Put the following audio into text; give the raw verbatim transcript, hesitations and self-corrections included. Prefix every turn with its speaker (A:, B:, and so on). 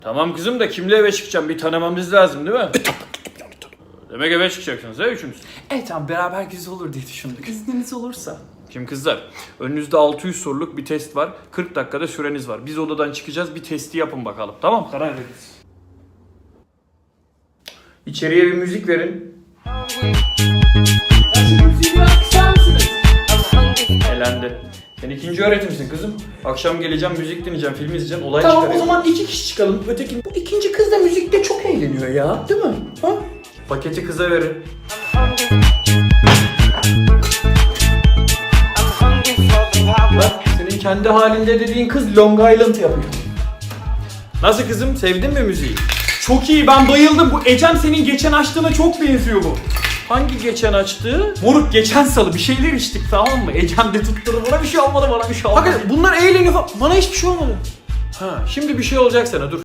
A: Tamam kızım da kimle eve çıkacağım? Bir tanımamız lazım değil mi?
B: E, tabii.
A: Demek eve çıkacaksınız ha üçünüz.
B: Evet tamam, beraber güzel olur diye düşündük. İzniniz olursa.
A: Şimdi kızlar, önünüzde altı yüz soruluk bir test var. kırk dakikada süreniz var. Biz odadan çıkacağız, bir testi yapın bakalım. Tamam, karar veririz. İçeriye bir müzik verin. Elendi. Sen ikinci öğretimsin kızım. Akşam geleceğim, müzik dinleyeceğim, film izleyeceğim, olay
B: Tamam o
A: çıkaracağım.
B: zaman iki kişi çıkalım. Öteki, bu ikinci kız da müzikte çok eğleniyor ya. Değil mi? Ha?
A: Paketi kıza verin.
B: Bak senin kendi halinde dediğin kız Long Island yapıyor.
A: Nasıl kızım, sevdin mi müziği?
B: Çok iyi, ben bayıldım. Bu Ecem senin geçen açtığına çok benziyor bu.
A: Hangi geçen açtığı?
B: Moruk geçen salı bir şeyler içtik, tamam mı? Ecem de tutturdu, bana bir şey olmadı, bana bir şey olmadı.
A: Hakikaten
B: bunlar eğleniyor falan. Bana hiçbir şey olmadı.
A: Ha, şimdi bir şey olacak sana, dur.